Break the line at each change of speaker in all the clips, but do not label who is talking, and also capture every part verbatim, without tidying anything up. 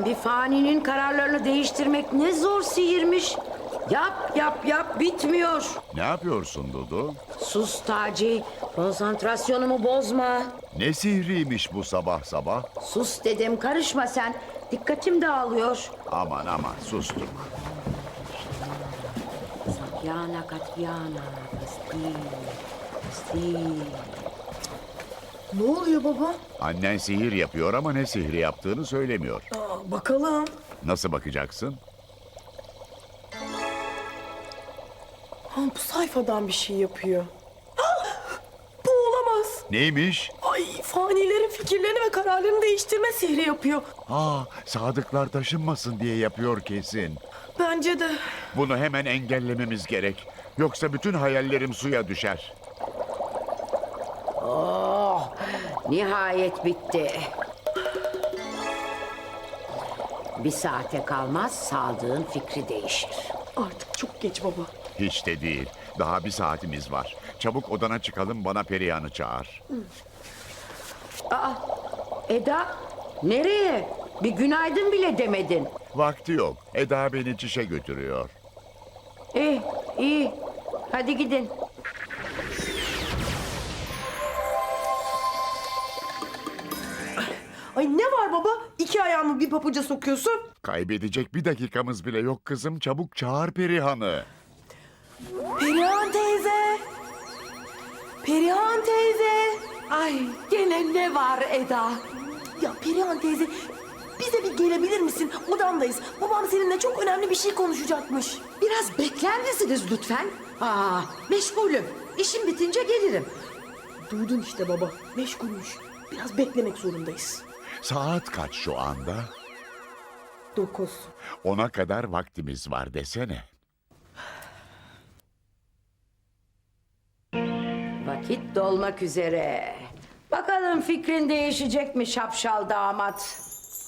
Bir faninin kararlarını değiştirmek ne zor sihirmiş. Yap yap yap bitmiyor.
Ne yapıyorsun Dudu?
Sus Taci, konsantrasyonumu bozma.
Ne sihriymiş bu sabah sabah?
Sus dedim, karışma sen. Dikkatim dağılıyor.
Aman aman sustuk.
Sakyana katyana kasti kasti.
Ne oluyor baba?
Annen sihir yapıyor ama ne sihri yaptığını söylemiyor.
Aa, bakalım.
Nasıl bakacaksın?
Ha, bu sayfadan bir şey yapıyor. Ah! Bu olamaz.
Neymiş?
Ay, fanilerin fikirlerini ve kararlarını değiştirme sihri yapıyor.
Aa, sadıklar taşınmasın diye yapıyor kesin.
Bence de.
Bunu hemen engellememiz gerek. Yoksa bütün hayallerim suya düşer.
Oh, nihayet bitti. Bir saate kalmaz Sadık'ın fikri değişir.
Artık çok geç baba.
Hiç de değil. Daha bir saatimiz var. Çabuk odana çıkalım, bana Perihan'ı çağır.
Aa, Eda, nereye? Bir günaydın bile demedin.
Vakti yok. Eda beni çişe götürüyor.
İyi, iyi. Hadi gidin.
Ay ne var baba? İki ayağımı bir papuca sokuyorsun.
Kaybedecek bir dakikamız bile yok kızım. Çabuk çağır Perihan'ı.
Perihan teyze. Perihan teyze.
Ay, gene ne var Eda?
Ya Perihan teyze, bize bir gelebilir misin? Odamdayız. Babam seninle çok önemli bir şey konuşacakmış.
Biraz bekler misiniz lütfen? Aa, meşgulüm. İşim bitince gelirim.
Duydun işte baba. Meşgulmüş. Biraz beklemek zorundayız.
Saat kaç şu anda?
Dokuz.
Ona kadar vaktimiz var desene.
Vakit dolmak üzere. Bakalım fikrin değişecek mi şapşal damat?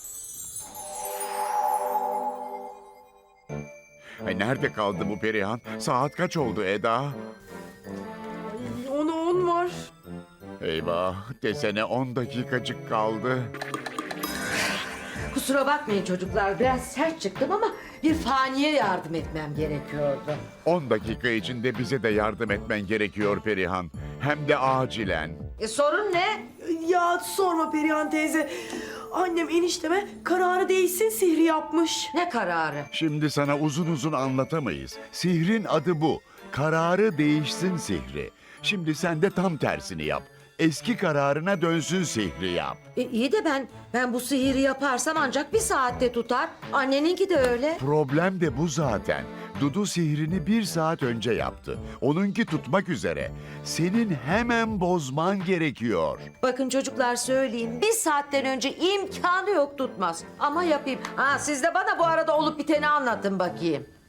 Ay, nerede kaldı bu Perihan? Saat kaç oldu Eda?
Ay, ona on var.
Eyvah, desene on dakikacık kaldı.
Kusura bakmayın çocuklar, biraz sert çıktım ama bir faniye yardım etmem gerekiyordu.
On dakika içinde bize de yardım etmen gerekiyor Perihan. Hem de acilen.
E sorun ne?
Ya sorma Perihan teyze. Annem enişteme kararı değişsin sihri yapmış.
Ne kararı?
Şimdi sana uzun uzun anlatamayız. Sihrin adı bu. Kararı değişsin sihri. Şimdi sen de tam tersini yap. Eski kararına dönsün sihri yap.
E, iyi de ben ben bu sihiri yaparsam ancak bir saatte tutar. Anneninki de öyle.
Problem de bu zaten. Dudu sihrini bir saat önce yaptı. Onunki tutmak üzere. Senin hemen bozman gerekiyor.
Bakın çocuklar söyleyeyim, bir saatten önce imkanı yok tutmaz. Ama yapayım. Ha siz de bana bu arada olup biteni anlatın bakayım.